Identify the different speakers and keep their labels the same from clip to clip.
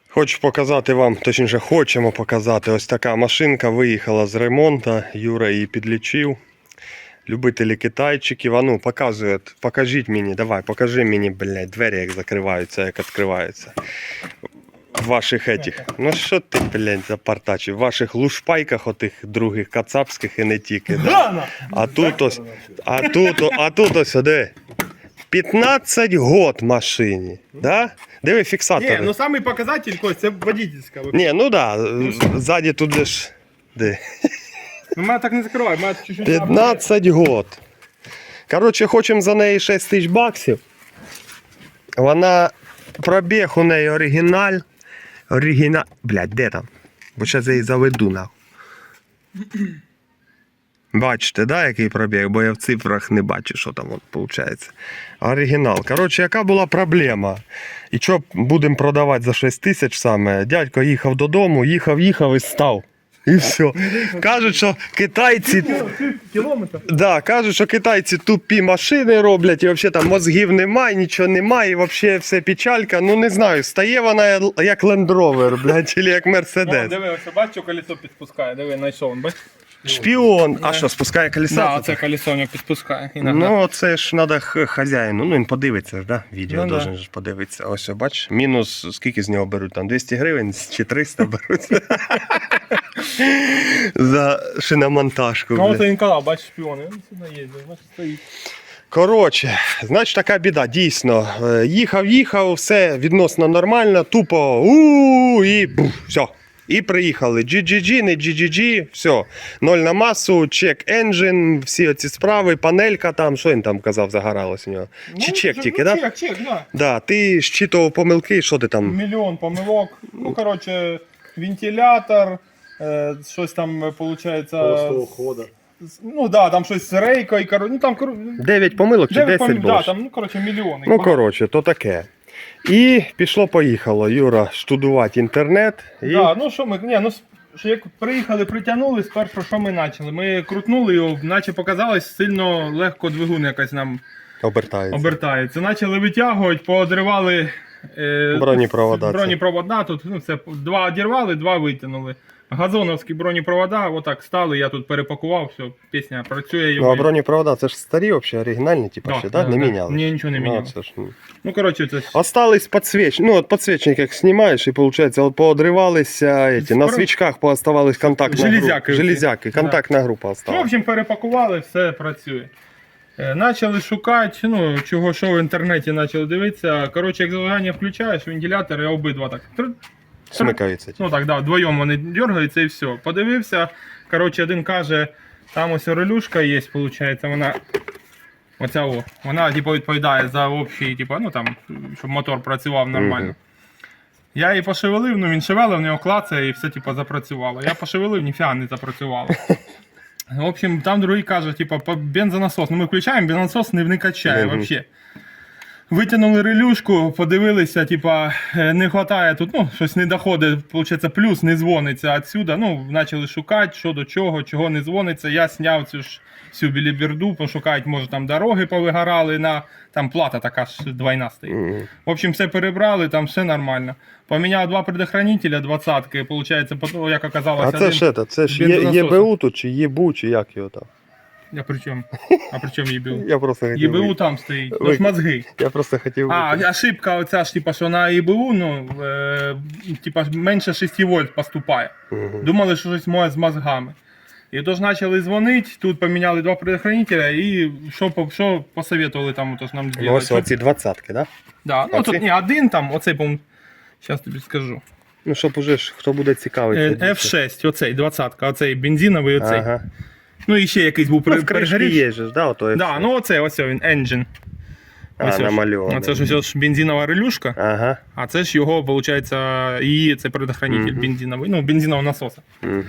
Speaker 1: Хочу показати вам, точніше хочемо показати, ось така машинка виїхала з ремонту, Юра її підлічив. Любителі китайчиків, а ну показує, покажіть мені, давай, покажи мені, блядь, двері як закриваються, як відкриваються. В ваших етіх, ну що ти, блядь, запартачив, в ваших лушпайках отих других кацапських і не тільки. Да? А тут ось, де? 15 год машині, да? Диви фіксатори.
Speaker 2: Не, ну самый показатель, Кость, це водительська.
Speaker 1: Не, ну да, ззаді тут же ж, де?
Speaker 2: Ну мене так не закривай, мене чуть-чуть...
Speaker 1: 15 год. Коротше, хочемо за неї 6 тисяч баксів. Вона, пробіг у неї оригіналь. Блядь, де там? Бо зараз я її заведу, нахуй. Бачите, да, який пробіг? Бо я в цифрах не бачу, що там виходить. Оригінал. Коротше, яка була проблема? І що будемо продавати за 6 тисяч саме? Дядько їхав додому, їхав і став. І все. Кажуть, що китайці...
Speaker 2: Кілометр?
Speaker 1: Да, кажуть, що китайці тупі машини роблять, і взагалі там мозгів немає, нічого немає, і взагалі все печалька. Ну не знаю, стає вона як Land Rover, блядь, чи як Mercedes.
Speaker 2: Диви, ось бачиш, що колесо підпускає, диви, знайшов, бачиш?
Speaker 1: Шпіон. А що, спускає колеса?
Speaker 2: Да, оце колесо не підпускає.
Speaker 1: Ну, це ж треба хазяїну. Ну, він подивиться ж, да? Відео
Speaker 2: Ну,
Speaker 1: должен ж подивитися. Ось, бач, мінус, скільки з нього беруть? Там 200 гривень чи 300 беруть? За шиномонтажку.
Speaker 2: Ну,
Speaker 1: блядь.
Speaker 2: оце він казав, бачиш, шпіони. Він сюди їздить, бачиш, стоїть.
Speaker 1: Коротше, значить така біда, дійсно. Їхав, все відносно нормально, тупо і бух, все. І приїхали. GGG, не GGG, все. 0 на масу, чек енджин, всі оці справи, панелька там, що він там казав, загоралось у нього? Чи чек тільки, так? Да?
Speaker 2: Чек, да.
Speaker 1: Да, ти щитував помилки, що ти там?
Speaker 2: Мільйон помилок. Ну, коротше, вентилятор, щось там, виходить...
Speaker 3: Холостого хода.
Speaker 2: Ну, да, там щось з рейкою, ну, там...
Speaker 1: 9 помилок чи 10 було?
Speaker 2: Да, там, ну, коротше, мільйони.
Speaker 1: Ну, коротше, то таке. І пішло-поїхало, Юра, штудувати інтернет. І...
Speaker 2: Да, ну що ми, ні, ну що як приїхали, притягнули, спершу що ми почали? Ми крутнули його, наче показалось, сильно легко двигун якось нам обертається. Почали витягувати, поодривали бронепровода, тут ну, це, 2 одірвали, 2 витягнули. Газоновські бронепровода, отак стали, я тут перепакував, все, пісня працює.
Speaker 1: Ну, а бронепровода, це ж старі взагалі, оригінальні, типу, ще, да? Не міняли?
Speaker 2: Ні, нічого не міняли.
Speaker 1: Це ж...
Speaker 2: Ну, коротше, це...
Speaker 1: Остались подсвечники, ну, от подсвечник як знімаєш, і, виходить, от поодривалися, на свічках пооставались контактна група. Железяки, контактна група
Speaker 2: Ну, в
Speaker 1: осталась.
Speaker 2: общем, перепакували, все працює. Почали шукати, ну, чого, що в інтернеті почали дивитися. Коротше, як зажигання включаєш, вентилятори обидва так.
Speaker 1: Смикаються.
Speaker 2: Ну так, да, вдвоєм вони дергаються і все. Подивився, коротше, один каже, там ось релюшка є, виходить, вона, оця о, вона, типу, відповідає за общий, типу, ну там, щоб мотор працював нормально. Я її пошевелив, ну він шевелив, в нього клацає і все, типу, запрацювало. Я пошевелив, ніфіга не запрацювало. В общем, там другий каже, типу, бензонасос. Ну ми включаємо, бензонасос не качає взагалі. Витягнули релюшку, подивилися, типа, не вистачає тут, ну, щось не доходить, виходить, плюс не дзвониться відсюди. Ну, почали шукати, що до чого, чого не дзвониться. Я зняв цю ж всю біліберду, пошукають, може там дороги повигорали, там плата така ж двойна стоїть. В общем, все перебрали, там все нормально. Поміняв 2 предохранителя, 20-ки, виходить, як оказалось,
Speaker 1: А це ж ЄБУ тут, чи ЄБУ, чи як його там?
Speaker 2: А при чому? ЄБУ?
Speaker 1: Я просто хотів
Speaker 2: ЄБУ там стоїть, то ж мозги.
Speaker 1: Я просто хотів...
Speaker 2: Ошибка оця ж, типа, що на ЄБУ, ну, типа, менше 6 вольт поступає. Думали, що щось моє з мозгами. І тож почали дзвонити, тут поміняли 2 предохранителя і що посоветували там тож нам зробити.
Speaker 1: Ну, ось оці 20-ки, да?
Speaker 2: Да, ну тут не один там, оцей, по-моєму, зараз тобі скажу.
Speaker 1: Ну, щоб уже ж, хто буде цікавий.
Speaker 2: F6, оцей, 20-ка, оцей бензиновий, оцей.
Speaker 1: Ага.
Speaker 2: Ну і ще якийсь був
Speaker 1: перегорів. Є ж, да, ото
Speaker 2: да, ну оце, ось він, engine.
Speaker 1: Намальований.
Speaker 2: Це ж ось бензинова релюшка,
Speaker 1: ага.
Speaker 2: а це ж його, виходить, її, це предохранитель бензиновий, ну, бензинового насоса.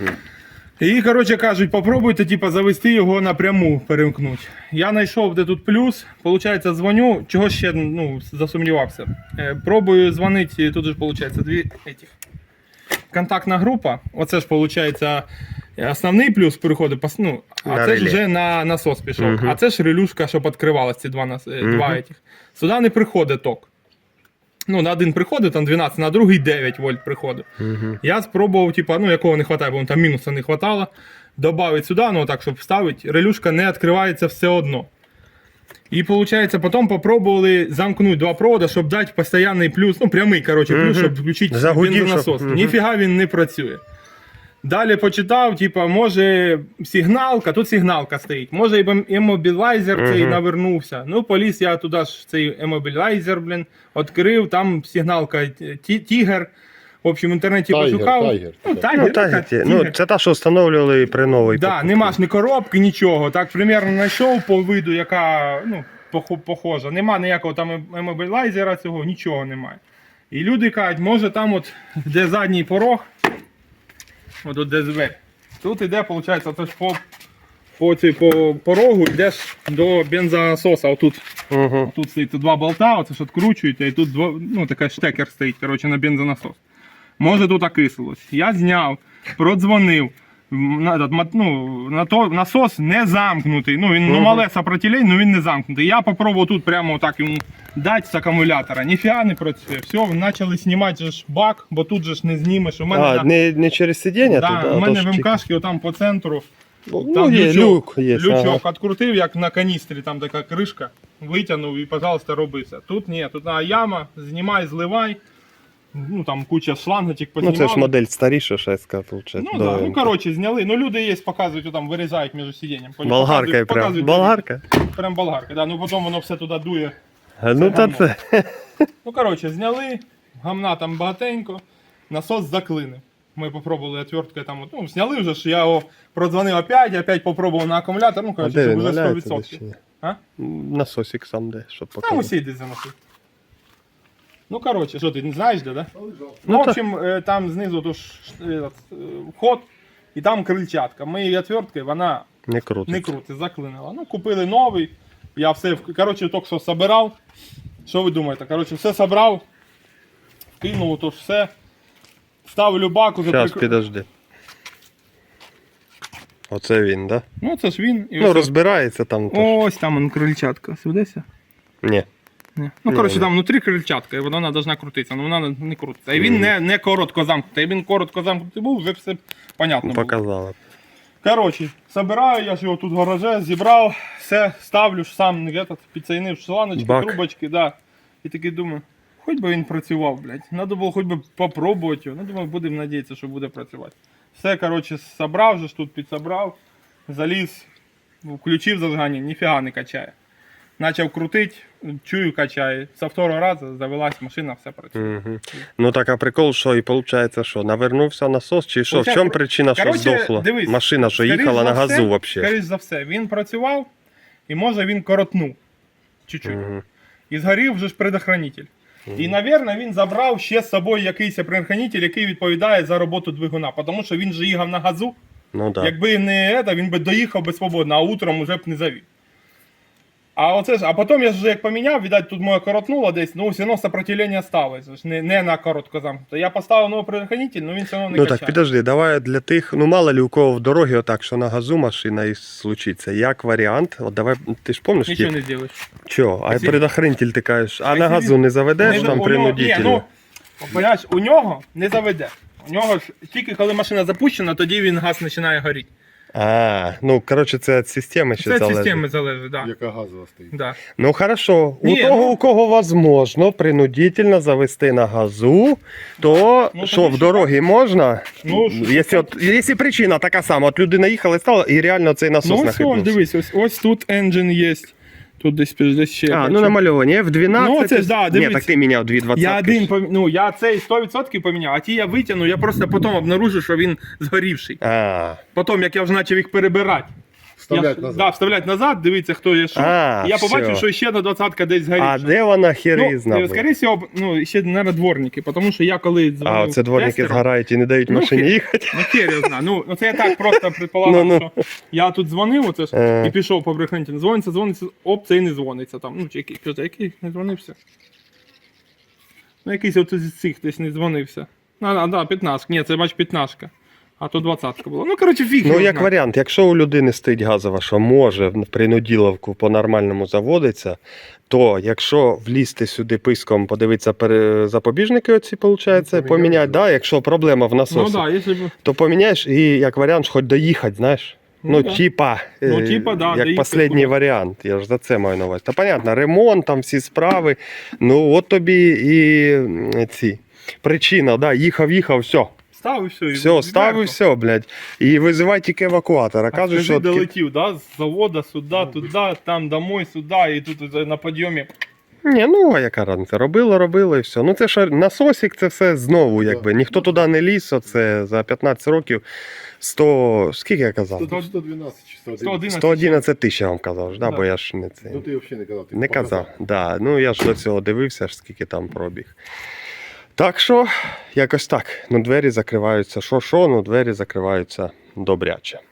Speaker 2: І, коротше, кажуть, попробуйте, типу, завести його напряму, перемкнути. Я знайшов, де тут плюс, виходить, дзвоню, чого ще, ну, засумнівався. Пробую дзвонити, тут же, виходить, 2 этих. Контактна група, оце ж, виходить, основний плюс переходить, ну, а це ж вже на насос пішов. А це ж релюшка, щоб відкривалася, ці два этих. Сюди не приходить ток. Ну, на один приходив, там 12, на другий 9 вольт приходив.
Speaker 1: Угу.
Speaker 2: Я спробував, типа, ну, якого не вистачає, бо там мінуса не вистачало. Добавити сюди, ну так, щоб вставити, релюшка не відкривається все одно. І виходить, потім попробували замкнути два провода, щоб дати постійний плюс, ну прямий, коротше, плюс, щоб включити
Speaker 1: Загудів,
Speaker 2: бензонасос.
Speaker 1: щоб-
Speaker 2: Ніфіга він не працює. Далі почитав, типа, може сигналка, тут сигналка стоїть, може і емобілайзер цей навернувся. Ну, поліз я туди ж цей емобілайзер, блін, відкрив, там сигналка Тігер. В общем, в інтернеті
Speaker 3: Тайгер,
Speaker 2: пошукав.
Speaker 3: Тайгер.
Speaker 2: Ну,
Speaker 1: Ну,
Speaker 2: Тайгер,
Speaker 1: так,
Speaker 2: Тігер.
Speaker 1: ну, це та, що встановлювали при новій.
Speaker 2: Да, нема ж ні коробки, нічого. Так примерно знайшов по виду, яка ну, похожа. Нема ніякого там емобілайзера цього, нічого немає. І люди кажуть, може там от, де задній порог, от тут де двері. Тут іде, виходить, це ж по порогу йдеш до бензонасоса. Отут,
Speaker 1: Угу.
Speaker 2: тут стоїть два болта, оце ж відкручуєте, і тут ну, така штекер стоїть, коротше, на бензонасос. Може тут окислилось. Я зняв, продзвонив. Насос не замкнутий. Ну, він мале сопротивлення, але він не замкнутий. Я попробував тут прямо так йому дати з акумулятора. Ніфіга не працює. Все, почали знімати же ж бак, бо тут же ж не знімеш. У мене,
Speaker 1: А, не через сидіння
Speaker 2: да,
Speaker 1: тут, а
Speaker 2: у мене
Speaker 1: то ж
Speaker 2: в
Speaker 1: тільки-
Speaker 2: МКшки отам по центру.
Speaker 1: Ну,
Speaker 2: Там
Speaker 1: є, люк є.
Speaker 2: лючок відкрутив, як на каністрі, там така кришка, витягнув і, пожалуйста, роби все. Тут ні, тут яма, знімай, зливай. Ну там куча шлангочок
Speaker 1: Ну,
Speaker 2: познімали.
Speaker 1: це ж модель старіша, шестка, виходить.
Speaker 2: Ну да, ну коротше, зняли. Ну люди є, показують, там вирізають між сидінням.
Speaker 1: Болгаркою прям.
Speaker 2: Показують,
Speaker 1: Болгарка?
Speaker 2: Прям болгарка, да. Ну потім воно все туди дує.
Speaker 1: Ну, та
Speaker 2: гамно.
Speaker 1: це.
Speaker 2: Ну коротше, зняли, гамна там багатенько, насос заклинив. Ми попробували отверткою там, ну зняли вже ж, я його продзвонив опять попробував на акумулятор, ну
Speaker 1: А
Speaker 2: коротше,
Speaker 1: де
Speaker 2: це
Speaker 1: він
Speaker 2: вже
Speaker 1: валяється
Speaker 2: 100%.
Speaker 1: десь чи ні?
Speaker 2: А?
Speaker 1: Насосик сам де, щоб
Speaker 2: Там
Speaker 1: показати.
Speaker 2: усі десь заносив. Ну коротше, що ти не знаєш де, да? Ну,
Speaker 1: Ну,
Speaker 2: в общем, там знизу то ж, вход, і там крильчатка. Ми її отверткою, вона
Speaker 1: Не круто.
Speaker 2: не крути, заклинила. Ну, купили новий. Я все, коротше, тільки що собирав. Що ви думаєте? Коротше, все собрав, кинув, то ж все. Ставлю бак, уже
Speaker 1: Зараз, підожди. Оце він, да?
Speaker 2: Ну, це ж він. І
Speaker 1: Ну,
Speaker 2: ось,
Speaker 1: розбирається там. То ж.
Speaker 2: ось там он крильчатка. Сведеться?
Speaker 1: Ні.
Speaker 2: Ні. Ну, коротше, там внутрі крильчатка, і вона повинна крутитися, але вона не крутиться. І він не коротко замкнутий. Він коротко замкнутий був, вже все понятно було.
Speaker 1: Показала.
Speaker 2: Коротше, собираю, я ж його тут в гараже зібрав, все ставлю ж сам підсоєнив шланочки,
Speaker 1: Бак.
Speaker 2: трубочки, да. І такий думаю, хоч би він працював, блядь. Надо було хоч би попробувати його. Ну, думаю, будемо надіятися, що буде працювати. Все, коротше, собрав же ж тут підсобрав, заліз, включив зажигання, ніфіга не качає. Почав крутити, чую, качає. З второго разу завелась машина, все працює.
Speaker 1: Угу. Ну так, а прикол, що і виходить, що навернувся насос, чи що? В
Speaker 2: Получається,
Speaker 1: чому причина, що
Speaker 2: коротше,
Speaker 1: здохла?
Speaker 2: дивись,
Speaker 1: Машина, що
Speaker 2: скоріш
Speaker 1: їхала
Speaker 2: за
Speaker 1: на газу
Speaker 2: все,
Speaker 1: взагалі.
Speaker 2: Скоріше за все, він працював і може він коротнув чуть-чуть.
Speaker 1: Угу.
Speaker 2: І згорів вже ж предохранитель. І, мабуть, він забрав ще з собою якийсь предохранитель, який відповідає за роботу двигуна, тому що він же їхав на газу.
Speaker 1: Ну так.
Speaker 2: Якби не це, він би доїхав би свободно, а утром вже б не завів. А потім я ж вже як поміняв, видать, тут моє коротнуло десь, ну все одно сопротивлення сталося, не на коротко замкнуто. Я поставив новий предохранитель, але він все одно не
Speaker 1: Ну
Speaker 2: качає.
Speaker 1: так, підожди, давай для тих, ну мало ли у кого в дорогі отак, що на газу машина і случиться. Як варіант, от давай, ти ж пам'ятаєш,
Speaker 2: Нічого не зробиш.
Speaker 1: Чого? А
Speaker 2: Якщо-
Speaker 1: предохранитель ти кажеш, а на
Speaker 2: якщо
Speaker 1: газу
Speaker 2: він-
Speaker 1: не заведеш
Speaker 2: Не,
Speaker 1: там
Speaker 2: у нього-
Speaker 1: принудительно?
Speaker 2: Ні, ну, понимаєш, у нього не заведе. У нього ж тільки коли машина запущена, тоді він газ починає горіти.
Speaker 1: А, ну коротше, це від системи ще
Speaker 2: Це від
Speaker 1: залежить.
Speaker 2: системи залежить, так. Да.
Speaker 3: Яка газова стоїть.
Speaker 2: Да.
Speaker 1: Ну хорошо,
Speaker 2: Ні,
Speaker 1: у того,
Speaker 2: ну-
Speaker 1: у кого возможно принудительно завести на газу, то
Speaker 2: Ну,
Speaker 1: що,
Speaker 2: тоді
Speaker 1: в
Speaker 2: що?
Speaker 1: дорогі можна?
Speaker 2: Ну,
Speaker 1: Якщо причина така сама, от людина їхала і стала, і реально цей насос
Speaker 2: Ну ось,
Speaker 1: нахибнувся.
Speaker 2: дивись, ось тут engine є. Тут десь ще.
Speaker 1: А,
Speaker 2: бачу.
Speaker 1: ну намальовані, F12.
Speaker 2: Ну, це ж, да,
Speaker 1: Ні,
Speaker 2: дивись.
Speaker 1: так ти міняв 220.
Speaker 2: Я один ну я цей 100% поміняв, а ті я витягну, я просто потім обнаружу, що він згорівший.
Speaker 1: А,
Speaker 2: Потім, як я вже почав їх перебирати.
Speaker 3: Вставлять
Speaker 2: я,
Speaker 3: назад.
Speaker 2: Да, вставлять назад, дивіться, хто є що.
Speaker 1: А,
Speaker 2: І я побачив,
Speaker 1: всьо.
Speaker 2: що ще на 20-ка десь згорівша.
Speaker 1: а де вона херізна була?
Speaker 2: скоріше всього, ну, ще, мабуть, дворники, тому що я коли дзвонив
Speaker 1: А, оце дворники
Speaker 2: тестеру,
Speaker 1: згорають і не дають
Speaker 2: Ну,
Speaker 1: машині
Speaker 2: хер-
Speaker 1: їхати.
Speaker 2: Ну, хер я знаю. Ну, це я так просто предполагав,
Speaker 1: Ну.
Speaker 2: що я тут дзвонив, оце ж,
Speaker 1: Ага.
Speaker 2: і пішов по брехенті. Дзвониться, оп, це і не дзвониться там. Ну, чи який, що це, який не дзвонився? Ну, якийсь от із цих десь не дзвонився. Да, 15. Ні, це бач 15. а то 20-ка була. Ну, коротше, фіг.
Speaker 1: Ну,
Speaker 2: його
Speaker 1: як
Speaker 2: знає.
Speaker 1: варіант, якщо у людини стоїть газова, що може в принуділовку по-нормальному заводиться, то якщо влізти сюди писком, подивитися запобіжники оці, виходить, поміняти, да, якщо проблема в
Speaker 2: Ну,
Speaker 1: насосі,
Speaker 2: да, якщо б...
Speaker 1: то поміняєш і як варіант хоч доїхати, знаєш. Ну,
Speaker 2: да.
Speaker 1: типа,
Speaker 2: Ну, типа, да,
Speaker 1: як
Speaker 2: доїхати
Speaker 1: останній
Speaker 2: куди.
Speaker 1: варіант, я ж за це маю на увазі. Та понятно, ремонт, там всі справи, ну от тобі і ці причина, да, їхав, все.
Speaker 2: Став і все. і
Speaker 1: Все, став і
Speaker 2: відверто.
Speaker 1: все, блядь. І визивай тільки евакуатор. А
Speaker 2: А
Speaker 1: кажуть,
Speaker 2: скажи,
Speaker 1: що
Speaker 2: долетів, да, з завода сюди, туди, там домой, сюди, і тут на підйомі.
Speaker 1: ні, ну а яка разниця? Робило і все. Ну це ж насосик, це все знову, якби. Ніхто туди не ліз, оце за 15 років 100, скільки я казав?
Speaker 3: 112 чи 111.
Speaker 2: 111.
Speaker 1: 111 тисяч я вам казав, ж, да,
Speaker 2: Да.
Speaker 1: бо я ж не це.
Speaker 3: Ну ти взагалі не казав. Ти
Speaker 1: Не
Speaker 3: показав.
Speaker 1: казав, да. Ну я ж до цього дивився, ж скільки там пробіг. Так що, якось так. Ну, двері закриваються. Що, ну двері закриваються добряче.